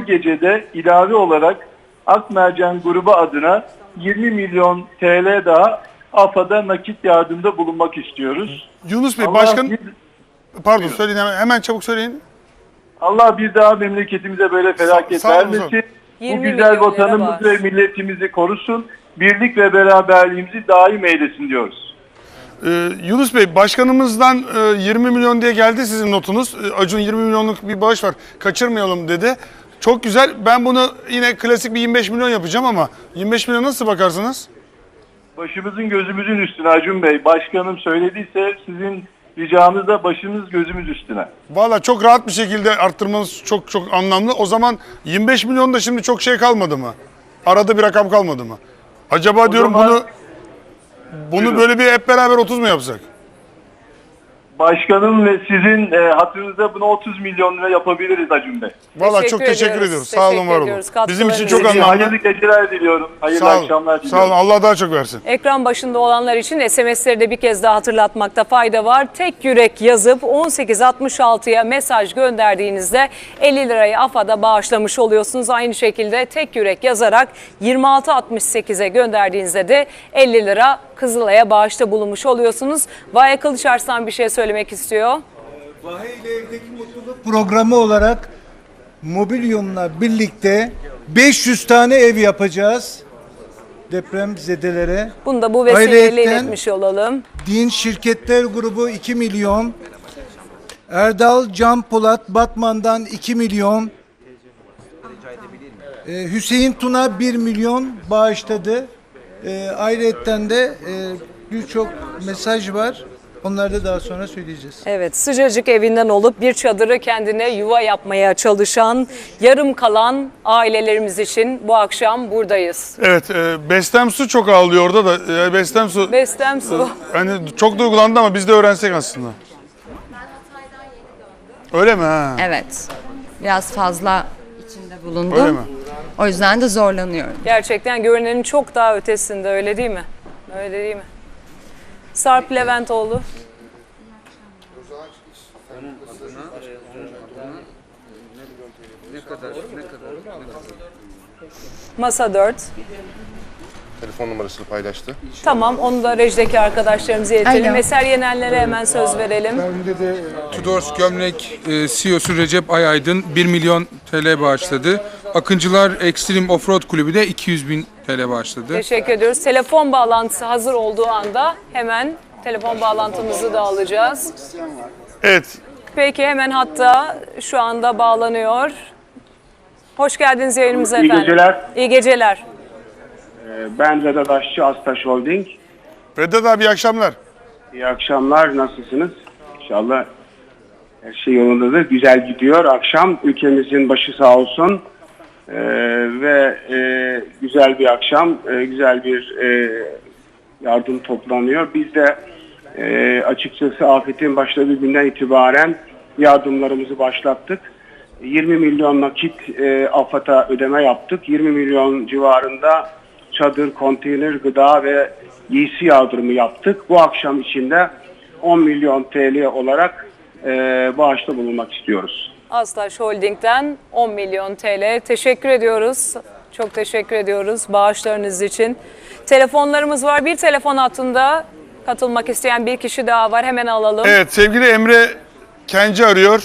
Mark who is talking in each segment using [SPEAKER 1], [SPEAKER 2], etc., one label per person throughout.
[SPEAKER 1] gecede ilave olarak Akmercan grubu adına 20 milyon TL daha AFAD'a nakit yardımda bulunmak istiyoruz.
[SPEAKER 2] Yunus Bey,
[SPEAKER 1] Allah
[SPEAKER 2] pardon söyleyin, hemen çabuk söyleyin.
[SPEAKER 1] Allah bir daha memleketimize böyle felaket vermesin. Bu güzel vatanımızı ve milletimizi korusun. Birlik ve beraberliğimizi daim eylesin diyoruz.
[SPEAKER 2] Yunus Bey, başkanımızdan 20 milyon diye geldi sizin notunuz. Acun 20 milyonluk bir bağış var, kaçırmayalım dedi. Çok güzel. Ben bunu yine klasik bir 25 milyon yapacağım ama 25 milyon nasıl bakarsınız?
[SPEAKER 1] Başımızın gözümüzün üstüne Acun Bey. Başkanım söylediyse sizin ricamız da başımız gözümüz üstüne.
[SPEAKER 2] Valla çok rahat bir şekilde arttırmanız çok anlamlı. O zaman 25 milyon da şimdi çok şey kalmadı mı? Arada bir rakam kalmadı mı? Acaba o diyorum zaman, bunu böyle bir hep beraber 30 mu yapsak?
[SPEAKER 1] Başkanım ve sizin hatırınızda bunu 30 milyon lira yapabiliriz Acun Bey.
[SPEAKER 2] Valla çok teşekkür ediyoruz. Sağ olun, var olun. Bizim için çok önemli.
[SPEAKER 1] Hayırlı geceler diliyorum. Hayırlı akşamlar diliyorum.
[SPEAKER 2] Sağ olun. Allah daha çok versin.
[SPEAKER 3] Ekran başında olanlar için SMS'leri de bir kez daha hatırlatmakta fayda var. Tek yürek yazıp 1866'ya mesaj gönderdiğinizde 50 lirayı AFAD'a bağışlamış oluyorsunuz. Aynı şekilde tek yürek yazarak 2668'e gönderdiğinizde de 50 lira Kızılay'a bağışta bulunmuş oluyorsunuz. Vahe Kılıçarslan bir şey söylemek istiyor.
[SPEAKER 4] Vahe ile Evdeki Mutluluk programı olarak Mobilyum'la birlikte 500 tane ev yapacağız depremzedelere.
[SPEAKER 3] Bunu da bu vesileyle iletmiş olalım.
[SPEAKER 4] Din Şirketler Grubu 2 milyon, Erdal Can Polat Batman'dan 2 milyon, Hüseyin Tuna 1 milyon bağışladı. Ayrıca de birçok mesaj var. Onları da daha sonra söyleyeceğiz.
[SPEAKER 3] Evet, sıcacık evinden olup bir çadırı kendine yuva yapmaya çalışan, yarım kalan ailelerimiz için bu akşam buradayız.
[SPEAKER 2] Evet, Bestem Su çok ağlıyor orada da.
[SPEAKER 3] Bestem Su.
[SPEAKER 2] Hani çok duygulandı ama biz de öğrensek aslında. Öyle mi? Ha?
[SPEAKER 5] Evet. Biraz fazla içinde bulundum.
[SPEAKER 2] Öyle mi?
[SPEAKER 5] O yüzden de zorlanıyorum.
[SPEAKER 3] Gerçekten görünenin çok daha ötesinde, öyle değil mi? Öyle değil mi? Sarp Leventoğlu. Masa 4.
[SPEAKER 6] Telefon numarasını paylaştı.
[SPEAKER 3] Tamam, onu da rejideki arkadaşlarımıza iletelim. Eser Yenenlere hemen söz verelim.
[SPEAKER 7] Tudors Gömlek CEO'su Recep Ayaydın 1 milyon TL bağışladı. Akıncılar Extreme Offroad Kulübü de 200 bin TL bağışladı.
[SPEAKER 3] Teşekkür ediyoruz. Telefon bağlantısı hazır olduğu anda hemen telefon bağlantımızı da alacağız.
[SPEAKER 2] Evet.
[SPEAKER 3] Peki, hemen hatta şu anda bağlanıyor. Hoş geldiniz yayınımıza efendim.
[SPEAKER 8] İyi geceler.
[SPEAKER 3] İyi geceler.
[SPEAKER 8] Ben Vedat Aşçı, Astaş Holding.
[SPEAKER 2] Vedat abi, iyi akşamlar.
[SPEAKER 8] İyi akşamlar, nasılsınız? İnşallah her şey yolundadır. Güzel gidiyor akşam. Ülkemizin başı sağ olsun. Ve güzel bir akşam, güzel bir yardım toplanıyor. Biz de açıkçası afetin başladığı günden itibaren yardımlarımızı başlattık. 20 milyon nakit AFAD'a ödeme yaptık. 20 milyon civarında çadır, konteyner, gıda ve giysi yardımı yaptık. Bu akşam içinde 10 milyon TL olarak bağışta bulunmak istiyoruz.
[SPEAKER 3] Astaş Holding'den 10 milyon TL. Teşekkür ediyoruz. Çok teşekkür ediyoruz bağışlarınız için. Telefonlarımız var. Bir telefon hattında katılmak isteyen bir kişi daha var. Hemen alalım.
[SPEAKER 2] Evet, sevgili Emre Kenci arıyor.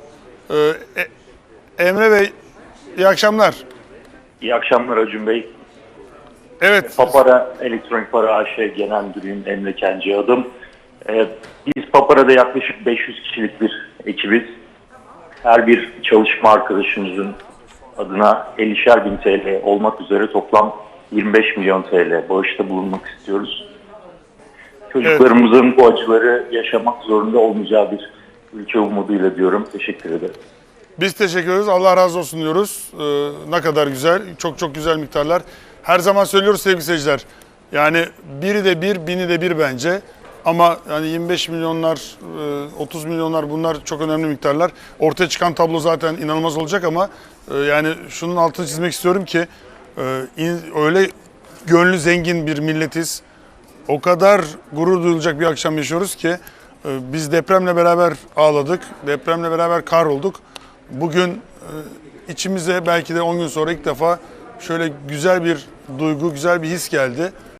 [SPEAKER 2] Emre Bey, iyi akşamlar.
[SPEAKER 9] İyi akşamlar Acun Bey.
[SPEAKER 2] Evet.
[SPEAKER 9] Papara Elektronik Para AŞ Genel Müdürüyüm, Emre Kenci adım. Biz Papara'da yaklaşık 500 kişilik bir ekibiz. Her bir çalışma arkadaşımızın adına 50'şer bin TL olmak üzere toplam 25 milyon TL bağışta bulunmak istiyoruz. Çocuklarımızın bu acıları yaşamak zorunda olmayacağı bir ülke umuduyla diyorum. Teşekkür ederim.
[SPEAKER 2] Biz teşekkür ederiz. Allah razı olsun diyoruz. Ne kadar güzel. Çok güzel miktarlar. Her zaman söylüyoruz sevgili seyirciler. Yani biri de bir, bini de bir bence. Ama yani 25 milyonlar, 30 milyonlar, bunlar çok önemli miktarlar. Ortaya çıkan tablo zaten inanılmaz olacak ama yani şunun altını çizmek istiyorum ki öyle gönlü zengin bir milletiz. O kadar gurur duyulacak bir akşam yaşıyoruz ki biz depremle beraber ağladık, depremle beraber kahrolduk. Bugün içimize belki de 10 gün sonra ilk defa şöyle güzel bir duygu, güzel bir his geldi.